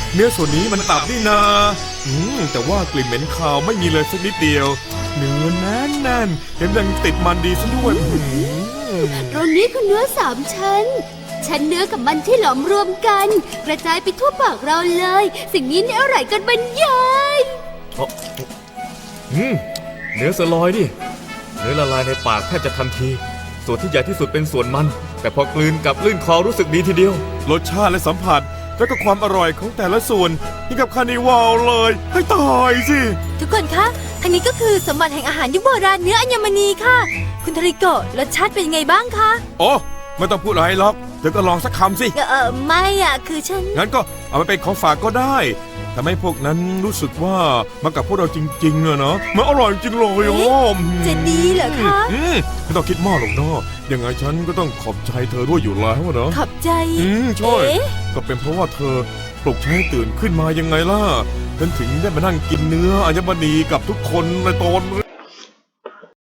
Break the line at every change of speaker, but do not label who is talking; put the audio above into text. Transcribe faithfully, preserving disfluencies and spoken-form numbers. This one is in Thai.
เนื้อส่วนนี้มันตับนี่นาอืมแต่ว่ากลิ่นเหม็นคาวไม่มีเลยสักนิดเดียวเนื้อแน่นแน่นเห็นยังติดมันดีซะด้วยอืม
ตรงนี้คือเนื้อสามชั้นชั้นเนื้อกับมันที่หลอมรวมกัน กระจายไปทั่วปากเราเลย สิ่งนี้เนี่ยอร่อยกันบรรยาย
อืมเนื้อสลอยดิเนื้อละลายในปากแทบจะทันที ส่วนที่ใหญ่ที่สุดเป็นส่วนมัน แต่พอกลืนกับลื่นคอรู้สึกดีทีเดียว
รสชาติและสัมผัสแล้วก็ความอร่อยของแต่ละส่วนนี่กับคานิวาลเลยให้ตายสิ
ทุกคนคะทางนี้ก็คือสมบัติแห่งอาหารยุคโบราณเนื้ออัญมณีค่ะ คุณทริโกะรสชาติเป็นยังไงบ้างคะ
โอ้ไม่ต้องพูดอะไรหรอกเดี๋ยวก็ลองสักคำสิ
เออเออไม่อ่ะคือฉัน
งั้นก็เอาไปเป็นของฝากก็ได้ทำให้พวกนั้นรู้สึกว่ามากับพวกเราจริงๆอะเนาะมันอร่อยจริงเลยโอ้
จะดีเหรอคะ
อืมไม่ต้องคิดมากหรอกเนาะยังไงฉันก็ต้องขอบใจเธอด้วยอยู่แล้วอะเนาะ
ขอบใจ
อืมใช่
เอ๊ะ
ก็เป็นเพราะว่าเธอปลุกฉันให้ตื่นขึ้นมายังไงล่ะฉันถึงได้มานั่งกินเนื้ออัญมณีกับทุกคนในตอนนี้